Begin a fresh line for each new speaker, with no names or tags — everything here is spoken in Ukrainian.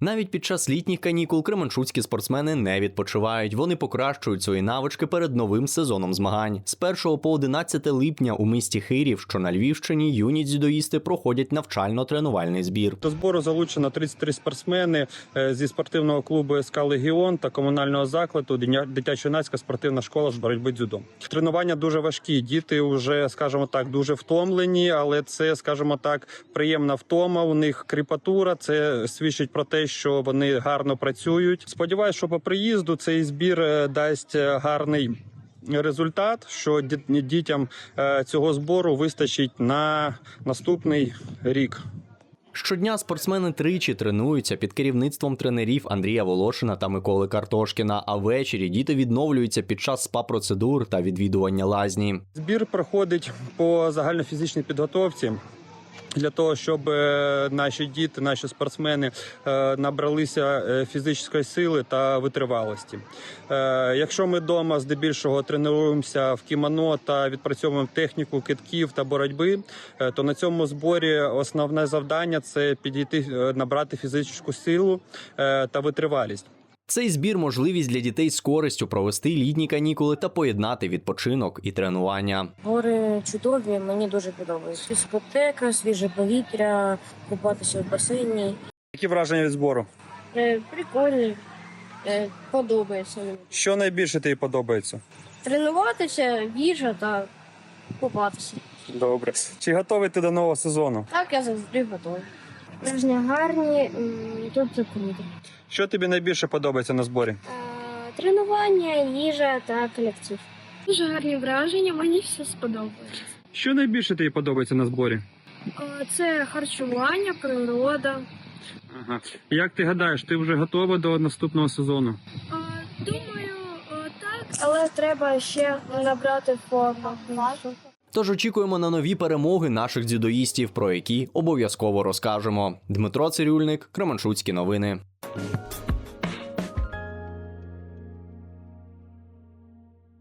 Навіть під час літніх канікул кременчуцькі спортсмени не відпочивають. Вони покращують свої навички перед новим сезоном змагань. З 1 по 11 липня у місті Хирів, що на Львівщині, юні дзюдоїсти проходять навчально-тренувальний збір.
До збору залучено 33 спортсмени зі спортивного клубу СК «Легіон» та комунального закладу дитячо-юнацька спортивна школа з боротьби дзюдо. Тренування дуже важкі. Діти вже, скажімо так, дуже втомлені, але це, скажімо так, приємна втома. У них кріпатура. Це свідчить про те, що вони гарно працюють. Сподіваюсь, що по приїзду цей збір дасть гарний результат, що дітям цього збору вистачить на наступний рік.
Щодня спортсмени тричі тренуються під керівництвом тренерів Андрія Волошина та Миколи Картошкіна, а ввечері діти відновлюються під час спа-процедур та відвідування лазні.
Збір проходить по загальнофізичній підготовці. Для того, щоб наші діти, наші спортсмени набралися фізичної сили та витривалості. Якщо ми вдома здебільшого тренуємося в кімоно та відпрацьовуємо техніку кидків та боротьби, то на цьому зборі основне завдання – це підійти, набрати фізичну силу та витривалість.
Цей збір – можливість для дітей з користю провести літні канікули та поєднати відпочинок і тренування.
Гори чудові, мені дуже подобається. Дискотека, свіже повітря, купатися в басейні.
Які враження від збору?
Прикольні, подобається.
Що найбільше тобі подобається?
Тренуватися, їжа та купатися.
Добре. Чи готовий ти до нового сезону?
Так, я завжди готовий. Враження гарні, тут це круто.
Що тобі найбільше подобається на зборі?
Тренування, їжа та колектив.
Дуже гарні враження, мені все сподобалось.
Що найбільше тобі подобається на зборі?
Це харчування, природа.
Ага. Як ти гадаєш, ти вже готова до наступного сезону?
Думаю, так.
Але треба ще набрати форму.
Тож очікуємо на нові перемоги наших дзюдоїстів, про які обов'язково розкажемо. Дмитро Цирюльник, Кременчуцькі новини.